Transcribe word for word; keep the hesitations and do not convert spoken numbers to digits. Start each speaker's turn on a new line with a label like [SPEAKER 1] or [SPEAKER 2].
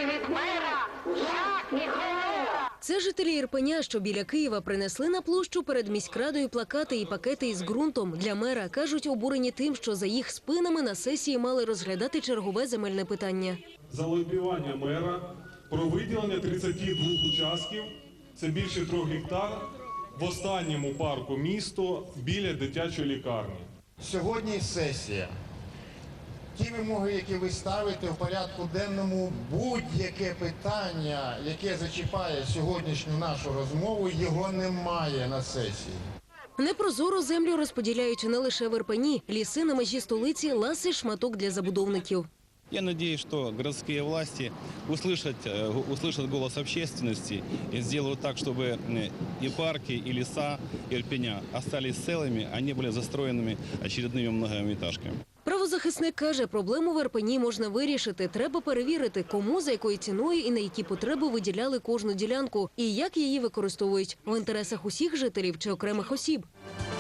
[SPEAKER 1] від мера жах і холера.
[SPEAKER 2] Це жителі Ірпеня, що біля Києва, принесли на площу перед міськрадою плакати і пакети із ґрунтом для мера. Кажуть, обурені тим, що за їх спинами на сесії мали розглядати чергове земельне питання.
[SPEAKER 3] За лобіювання мера про виділення тридцяти двох участків, це більше трьох гектар, в останньому парку місту біля дитячої лікарні.
[SPEAKER 4] Сьогодні сесія. Ті вимоги, які ви ставите в порядку денному, будь-яке питання, яке зачіпає сьогоднішню нашу розмову, його немає на сесії.
[SPEAKER 2] Непрозоро землю розподіляють не лише в Ірпені. Ліси на межі столиці – ласий шматок для забудовників.
[SPEAKER 5] Я надеюсь, что городские власти услышат, услышат голос общественности и сделают так, чтобы и парки, и леса Ирпеня остались целыми, а не были застроенными очередными многоэтажками.
[SPEAKER 2] Правозахисник каже, проблему в Ірпені можна вирішити. Треба перевірити, кому, за якою ціною і на які потреби виділяли кожну ділянку, і як її використовують – в інтересах усіх жителів чи окремих осіб.